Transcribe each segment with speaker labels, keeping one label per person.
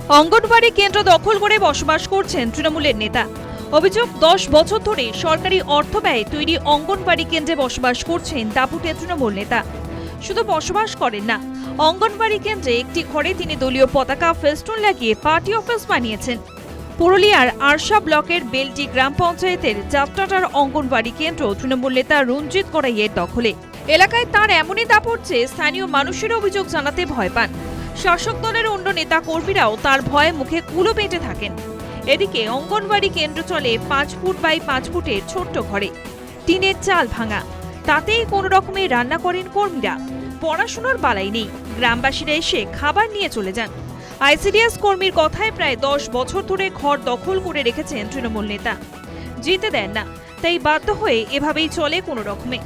Speaker 1: অঙ্গনবাড়ি কেন্দ্র দখল করে বসবাস করছেন তৃণমূলের নেতা। অভিযোগ 10 বছর ধরে সরকারি অর্থ ব্যয়ে তৈরি অঙ্গনবাড়ি কেন্দ্রে বসবাস করছেন দাপুটে তৃণমূল নেতা। শুধু বসবাস করেন না, অঙ্গনবাড়ি কেন্দ্রে একটি ঘরে তিনি দলীয় পতাকা ফেস্টুন লাগিয়ে পার্টি অফিস বানিয়েছেন। পুরুলিয়ার আরশা ব্লকের বেলটি গ্রাম পঞ্চায়েতের যাত্রাটার অঙ্গনবাড়ি কেন্দ্র তৃণমূল নেতা রঞ্জিত গড়াইয়ের দখলে। এলাকায় তার এমনই দাপট যে স্থানীয় মানুষের অভিযোগ জানাতে ভয় পান। শাসক দলের অন্য নেতা কর্মীরাও তার ভয়ে মুখে কুলো বেঁটে থাকেন। এদিকে অঙ্গনবাড়ি কেন্দ্র চলে 5 ফুট বাই 5 ফুটের ছোট্ট ঘরে, টিনের চাল ভাঙা, তাতেই কোনো রকমে রান্না করেন কর্মীরা। পড়াশোনার বালাই নেই, গ্রামবাসীরা এসে খাবার নিয়ে চলে যান। আইসিডিএস কর্মীর কথায় প্রায় 10 বছর ধরে ঘর দখল করে রেখেছেন তৃণমূল নেতা। যেতে দেন না, তাই বাধ্য হয়ে এভাবেই চলে কোনো রকমে।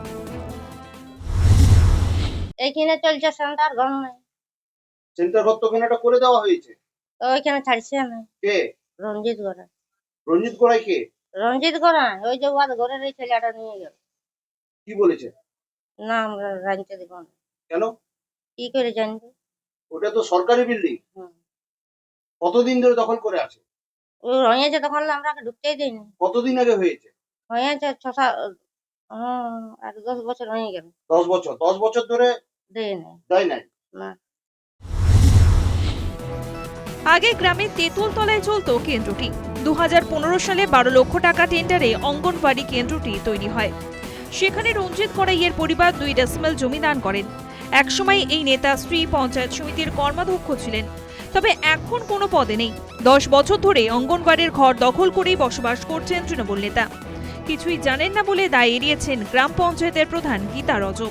Speaker 2: এইখানে চলছে সেন্টার ঘর নাই,
Speaker 3: সেন্টার ঘর তো কেনাটা করে দেওয়া হয়েছে।
Speaker 2: তো ওইখানে ছাড়ছে না।
Speaker 3: কে?
Speaker 2: রঞ্জিত গড়া।
Speaker 3: রঞ্জিত গোড়াই কে?
Speaker 2: রঞ্জিত গড়া ওই যে ওয়াদ ঘরের এই ছেলেটা নিয়ে গেল।
Speaker 3: কি বলেছে?
Speaker 2: না আমরা জানতে দেব না।
Speaker 3: কেন?
Speaker 2: কি করে জানবো?
Speaker 3: ওটা তো সরকারি বিল্ডিং।
Speaker 2: হুম।
Speaker 3: কতদিন ধরে দখল করে আছে?
Speaker 2: ও হয়েছে তখন আমরা ঢুকতেই দিইনি।
Speaker 3: কতদিন আগে হয়েছে?
Speaker 2: হয়েছে 10 বছর হয়ে গেল।
Speaker 3: 10 বছর। 10 বছর ধরে
Speaker 2: দেয় নাই।
Speaker 3: দেয় নাই।
Speaker 2: না।
Speaker 1: আগে গ্রামের তেঁতুলতলায় চলত কেন্দ্রটি। 2015 সালে 12 লক্ষ টাকা টেন্ডারে অঙ্গনবাড়ি কেন্দ্রটি তৈরি হয়। সেখানে রঞ্জিত গড়াইয়ের পরিবার 2 ডেসিমেল জমি দান করেন। একসময় এই নেতা স্ত্রী পঞ্চায়েত সমিতির কর্মাধ্যক্ষ ছিলেন, তবে এখন কোনো পদে নেই। 10 বছর ধরে অঙ্গনবাড়ির ঘর দখল করেই বসবাস করছেন তৃণমূল নেতা। কিছুই জানেন না বলে দায় এড়িয়েছেন গ্রাম পঞ্চায়েতের প্রধান গীতা রজক।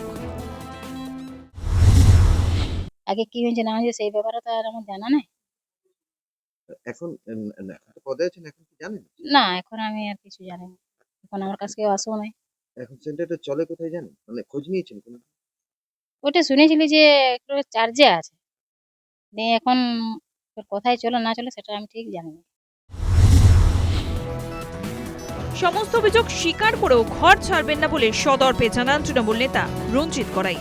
Speaker 4: আগে কি হয়েছে না হয়েছে সেই ব্যাপারে তো আর আমার জানা নেই।
Speaker 5: এখন পদে আছেন, এখন কি জানেন?
Speaker 4: না, এখন আমি আর কিছু জানি না। এখন আমার কাছে কেউ আসেও নাই।
Speaker 5: এখন সেন্টারটা চলে কোথায় জানেন? মানে খোঁজ নিয়েছেন কোনো?
Speaker 4: ওটা শুনেছিলি যে একটু চার্জে আছে, দিয়ে এখন তোর কোথায় চলে না চলে সেটা আমি ঠিক জানি না।
Speaker 1: সমস্ত অভিযোগ স্বীকার করেও ঘর ছাড়বেন না বলে সদর্পে জানান তৃণমূল নেতা রঞ্জিত গড়াই।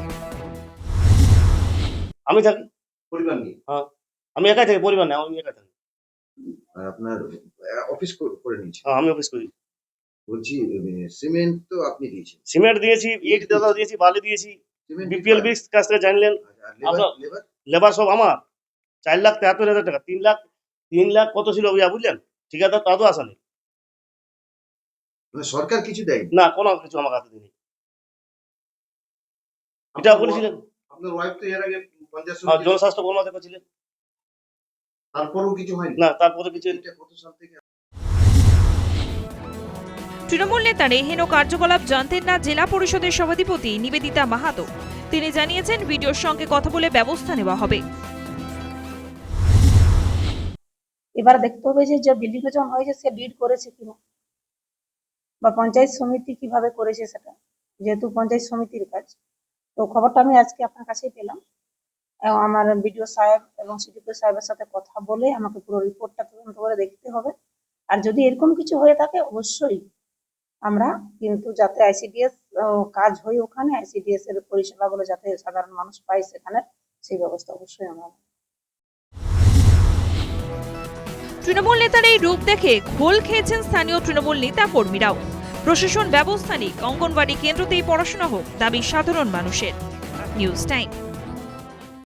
Speaker 6: আমি থাকি,
Speaker 3: পরিবার নিয়ে।
Speaker 6: আমি একাই থাকি, পরিবার নেই, আমি একাই থাকি।
Speaker 5: আর আপনার অফিস করে নিয়েছেন?
Speaker 6: হ্যাঁ, আমি অফিস করি।
Speaker 5: বলছি সিমেন্ট তো আপনি দিয়েছেন?
Speaker 6: সিমেন্ট দিয়েছি, ইট দাদা দিয়েছি, বালি দিয়েছি। বিপিএল বিক্স কাছ থেকে জানলেন। লেবার সব আমার 4,73,000 টাকা। 3 লাখ কত ছিল বুঝলেন? ঠিকাদার তা তো আসা নেই।
Speaker 5: মানে সরকার কিছু দেয়
Speaker 6: না, কোনো কিছু আমার হাতে দিইনি। এটা বলেছিলেন।
Speaker 3: আপনার ওয়াইফ তো এর আগে পঞ্চায়েত সমিতি
Speaker 6: জনস্বাস্থ্য কর্মকর্তা ছিলেন।
Speaker 3: তারপরেও কিছু হয়নি।
Speaker 6: না, তারপরে কিছু।
Speaker 3: এটা কত সাল থেকে?
Speaker 1: তৃণমূল নেতার এহেন কার্যকলাপ জানতেন না জেলা পরিষদের সভাধিপতি নিবেদিতা মাহাতো। তিনি জানিয়েছেন ভিডিওর সঙ্গে কথা বলে ব্যবস্থা নেওয়া হবে।
Speaker 7: এবার দেখতে হবে যে বিল্ডিং যখন হয়েছে সে ডিড করেছে কিনা, বা পঞ্চায়েত সমিতি কিভাবে করেছে সেটা, যেহেতু পঞ্চায়েত সমিতির কাজ। তো খবরটা আমি আজকে আপনার কাছেই পেলাম, এবং আমার বিডিও সাহেব এবং সিডিপি সাহেবের সাথে কথা বলে আমাকে পুরো রিপোর্টটা তদন্ত করে দেখতে হবে। আর যদি এরকম কিছু হয়ে থাকে অবশ্যই আমরা কিন্তু যাতে আইসিডিএস কাজ হয় ওখানে, আইসিডিএস এর পরিষেবাগুলো যাতে সাধারণ মানুষ পায় সেখানে, সেই ব্যবস্থা অবশ্যই আমরা।
Speaker 1: তৃণমূল নেতার এই রূপ দেখে ঘোল খেয়েছেন স্থানীয় তৃণমূল নেতা কর্মীরাও। প্রশাসন ব্যবস্থা নিক, অঙ্গনবাড়ি কেন্দ্রতেই পড়াশোনা হোক, দাবি সাধারণ মানুষের। News time.